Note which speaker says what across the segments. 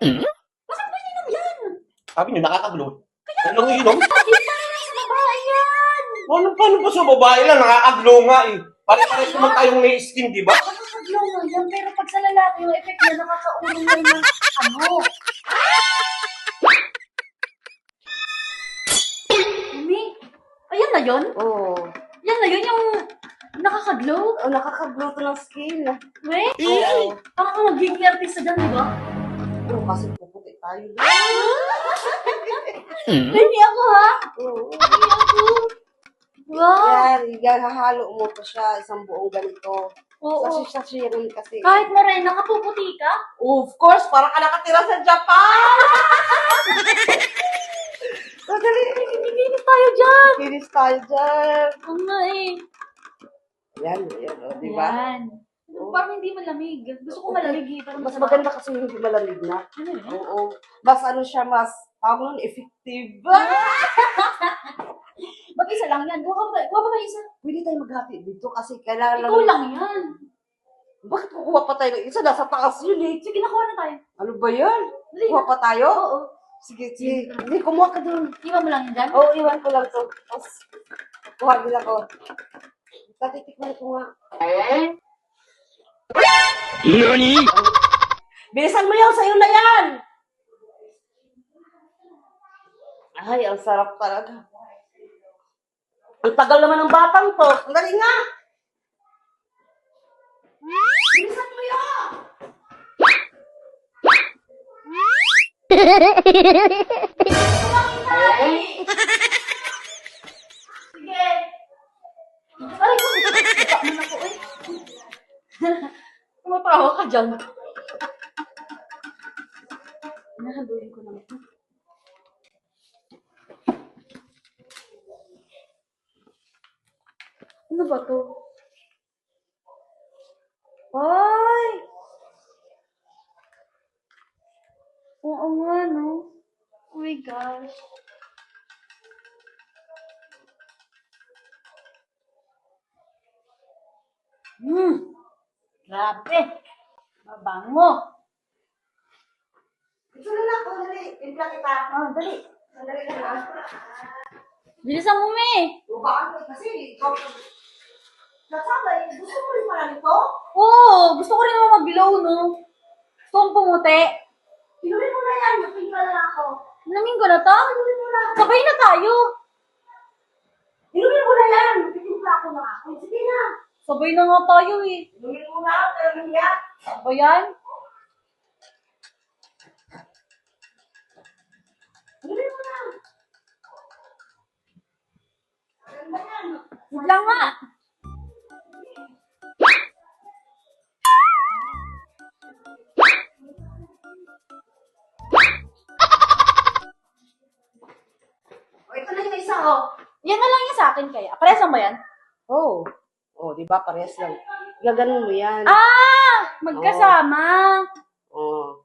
Speaker 1: Bakit ba ininom yan?
Speaker 2: Sabi niyo, nakakaglo. Kayo lang iinom?
Speaker 1: Hindi pa rin sa babae yan.
Speaker 2: Paano ba sa babae lang? Nakakaglo nga eh. Pare-pares naman tayong may skin, di ba?
Speaker 1: Nakakaglaw nga yan, pero pag sa lalaki yung effect niya, nakakaurong yan ng ano. Umi, ayan na yun?
Speaker 3: Oo.
Speaker 1: Yan na yun yung nakakaglow?
Speaker 3: Oh, nakakaglow to ng skin.
Speaker 1: Wait,
Speaker 3: Oo.
Speaker 1: parang ka magiging artista dyan, di ba?
Speaker 3: Oo, kasi puputi tayo.
Speaker 1: Hindi ako ha?
Speaker 3: Oo.
Speaker 1: Hindi ako. Wow.
Speaker 3: Yan, hahalo mo pa siya, isang buong ganito.
Speaker 1: Oo.
Speaker 3: Sachet rin kasi.
Speaker 1: Kahit morena, nakapuputi ka?
Speaker 3: Of course, parang ka nakatira sa Japan! So, dali.
Speaker 1: Nagiginis tayo dyan.
Speaker 3: Kinis tayo dyan.
Speaker 1: Oo nga eh.
Speaker 3: Yan, o, di ba?
Speaker 1: Yan. Parang hindi malamig. Gusto ko malamig eh. Parang
Speaker 3: Mas
Speaker 1: masarap.
Speaker 3: maganda kasi hindi malamig na.
Speaker 1: Ano yun?
Speaker 3: Oo. Mas ano siya, mas, tawag nun, effective.
Speaker 1: Mag-isa lang yan. Kuha pa ba isa?
Speaker 3: Pwede tayo maghati dito kasi kailangan
Speaker 1: Ikaw lang yan.
Speaker 3: Bakit kukuha pa tayo ng isa? Nasa taas yun eh.
Speaker 1: Sige, nakuha na tayo.
Speaker 3: Ano ba yan?
Speaker 1: Dali
Speaker 3: Kuha
Speaker 1: na.
Speaker 3: pa tayo?
Speaker 1: Oo.
Speaker 3: Sige, sige. Hindi, kumuha ka dun.
Speaker 1: Iwan mo lang yan dyan?
Speaker 3: Oo, iwan ko lang to. Tapos, kuha din ako. Tatitikman ko nga.
Speaker 2: Nani?
Speaker 3: Bilisan mo yan! Sa'yo na yan! Ay, ang sarap talaga. Ang tagal naman ng batang to. Ang dali nga! Bilisan mo yan!
Speaker 1: Sige. Aray ko. Bata mo na ko eh. Tumatawa ka dyan. Nahaluin ko lang ito. Ano ba to? Ay! Oo nga, no? Oh my gosh. Grabe. Mabango.
Speaker 3: Ito na lang. Oh, dali. Timpla kita.
Speaker 1: Oh, dali.
Speaker 3: Sandali ka na.
Speaker 1: Bilisan mo, me.
Speaker 3: Bukaan ko kasi. Nasama eh. Gusto mo rin pala nito?
Speaker 1: Oo, gusto ko rin naman mag-glow, no? Gusto kong pumuti.
Speaker 3: Inumin mo na yan. Timpla na lang ako.
Speaker 1: Namin ko na to?
Speaker 3: Inumin mo na.
Speaker 1: Sabay na tayo.
Speaker 3: Inumin mo na yan. Timpla ko na ako. Sige na.
Speaker 1: Sabay na nga tayo eh.
Speaker 3: Inumin mo na. Pero nahiya.
Speaker 1: Ba yan?
Speaker 3: Inumin mo na. Ganda yan.
Speaker 1: Huwag lang nga.
Speaker 3: O, ito na yung isa, oh.
Speaker 1: Yan na lang yung sa akin kaya. Paresan ba yan?
Speaker 3: Oh. Oh, di ba? Parehas lang. Gaganon mo yan.
Speaker 1: Ah! Magkasama.
Speaker 3: Oh.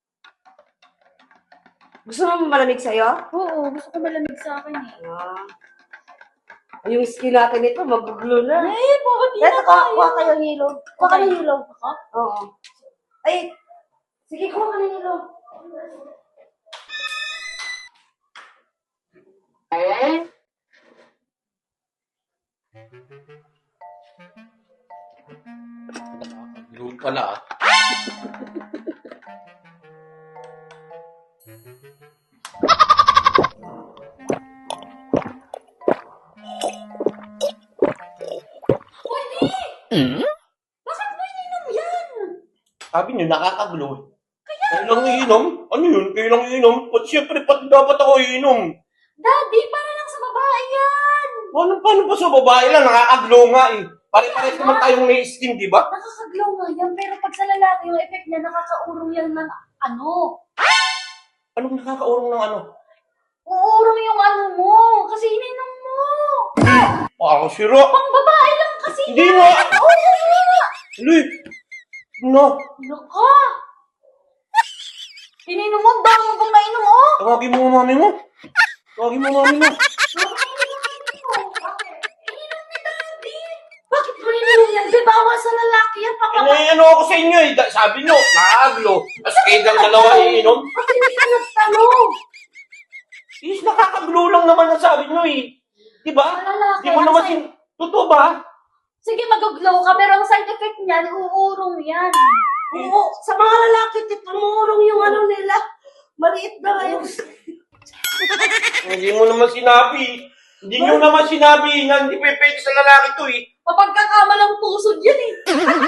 Speaker 3: Gusto mo malamig sa'yo?
Speaker 1: Oo, gusto ko malamig sa akin eh.
Speaker 3: Ah. Yung skin natin ito, mag-glue na.
Speaker 1: Ay, bakit di
Speaker 3: Eto,
Speaker 1: na tayo?
Speaker 3: kuha kayo ng hilo. Kuha ka ng hilo.
Speaker 1: Ako?
Speaker 3: Oo. Ay, sige, kuha ka ng hilo.
Speaker 2: Nakakaglo pala ah.
Speaker 1: Bakit ba ininom yan?
Speaker 2: Sabi niyo, nakakaglo. Kayo lang iinom? Ano yun? Kayo lang iinom? Siyempre, pati dapat ako iinom.
Speaker 1: Daddy, para lang sa babae yan.
Speaker 2: Paano ba sa babae lang? Nakakaglo nga eh. Pare-pares naman tayong may skin, di ba?
Speaker 1: Nakakaglaw nga yan, pero pag sa lalaki yung effect niya, nakakaurong yan ng ano.
Speaker 2: Anong nakakaurong ng ano?
Speaker 1: Uurong yung ano mo, kasi ininom mo.
Speaker 2: Parang sira.
Speaker 1: Pang babae lang kasi
Speaker 2: Hindi
Speaker 1: yan.
Speaker 2: nga.
Speaker 1: Oo, nga.
Speaker 2: Uy! No!
Speaker 1: Naka. Ininom mo, dami mo pang nainom, oh.
Speaker 2: Tawagin mo ang mami mo. Tawagin mo ang mami mo.
Speaker 1: Ininom ni Daddy. Bakit mo ininom yan? Di bawal sa lalaki yan,
Speaker 2: Ano may ano ako sa inyo eh. Sabi nyo, nakakaglo. Tapos kayo ng dalawa iinom.
Speaker 3: Ba't hindi ka nagtanong?
Speaker 2: Is, nakakaglo lang naman ang sabi nyo eh. Diba?
Speaker 1: Lalaki,
Speaker 2: Di mo
Speaker 1: ang
Speaker 2: naman
Speaker 1: side-
Speaker 2: Totoo ba?
Speaker 1: Sige, mag-glow ka, pero ang side effect niyan, uurong yan.
Speaker 3: Oo, sa mga lalaki, tumurong yung ano nila. Maliit na nga yung...
Speaker 2: Hindi mo naman sinabi. Hindi nyo naman sinabi na hindi pwede sa lalaki to eh.
Speaker 1: Mapagkakamalang pusod yan eh.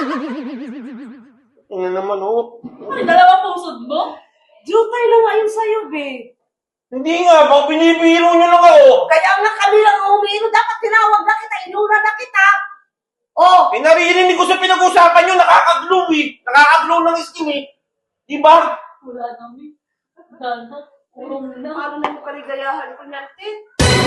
Speaker 2: Ano naman oh.
Speaker 1: Ano, dalawa pusod mo?
Speaker 3: Jutay na nga yun sa'yo, be.
Speaker 2: Hindi nga, baka binibiro nyo lang ako.
Speaker 3: Kaya nga kami lang umiinom. Dapat tinawag na kita, inuna na kita. Oh,
Speaker 2: Eh, naririnig ko sa pinag-usapan nyo, nakakaglo eh. Nakakaglo ng skin eh. Diba?
Speaker 1: Wala namin. Wala na. Urong na.
Speaker 3: paano na yung kaligayahan ko niyan, Tit?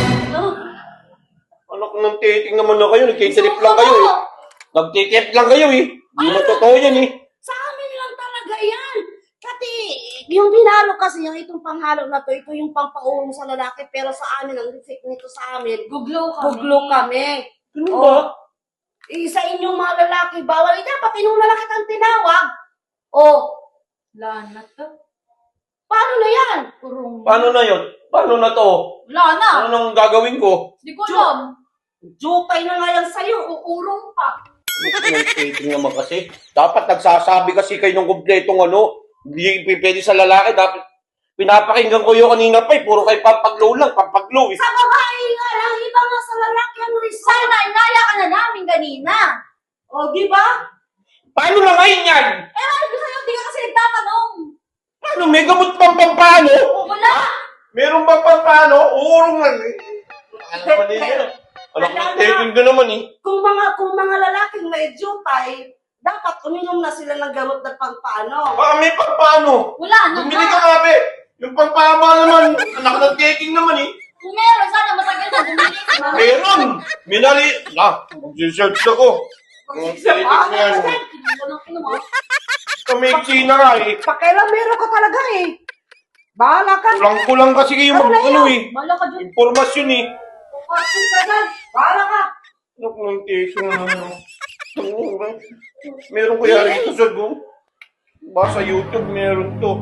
Speaker 2: Anak ng titing naman na kayo, nagtitrip lang kayo eh. Nagtitrip lang kayo eh. Hindi na totoo yan eh.
Speaker 3: Sa amin lang talaga yan. Kasi yung binalo kasi, yung itong panghalo na to, ito yung pampaulong sa lalaki, pero sa amin, ang effect nito sa amin,
Speaker 1: Guglow ka.
Speaker 3: guglo kami.
Speaker 2: Ano
Speaker 3: Oh.
Speaker 2: ba?
Speaker 3: Sa inyong mga lalaki, bawal. Dapat inuna lang kitang tinawag. Oh,
Speaker 1: Wala na to.
Speaker 3: paano na yan?
Speaker 1: Urong na.
Speaker 2: Paano na yun? Paano na to?
Speaker 1: Wala na.
Speaker 2: Ano nang gagawin ko?
Speaker 1: Hindi ko alam.
Speaker 3: Jutay na nga yan sa'yo.
Speaker 1: Uurong pa.
Speaker 2: Ang titing naman kasi. Dapat nagsasabi kasi kayo ng kumpletong ano. Hindi pwede sa lalaki. Dapat pinapakinggan ko yung kanina pa eh. Puro kayo pampaglow lang. Pampaglow eh.
Speaker 3: Sa babae nga lang, iba nga sa lalaki ang resign.
Speaker 1: Sana, inaya ka na namin kanina.
Speaker 3: O, di ba?
Speaker 2: Paano na ngayon yan?
Speaker 1: Eh, ano ko sa'yo? Hindi ka kasi nagtatanong.
Speaker 2: Ano, may gamot pang pampano?
Speaker 1: Wala.
Speaker 2: Meron bang pampano? Uurong lang eh. Ano naman yun? Anak ng titing ka naman eh.
Speaker 3: Kung mga lalaking may jutay, dapat uminom na sila ng gamot na pangpaano.
Speaker 2: Baka may pampano.
Speaker 1: Wala na
Speaker 2: Bumili
Speaker 1: nga.
Speaker 2: ka kami. Yung pampama naman. Anak ng titing naman eh.
Speaker 1: Kung meron, sana matagal na bumili ka na.
Speaker 2: Meron! Minali... Mag-search ako. Ang titig na yan.
Speaker 1: Hindi ko lang kinuha.
Speaker 2: Kamiksi na nga eh.
Speaker 3: Pakailan meron ka talaga eh. Bahala ka.
Speaker 2: Kulang kasi kayo mag... Ano eh.
Speaker 1: Bala ka dyan.
Speaker 2: Informasyon eh.
Speaker 3: Pasin ka dyan. Bahala ka.
Speaker 2: Anak ng titing na naman. Meron kaya rito sa go? Baka sa YouTube meron to.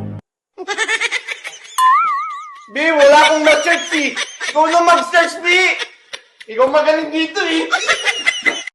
Speaker 2: Bi, wala akong na-search eh. Ikaw na mag-search, Bi. Ikaw magaling dito eh.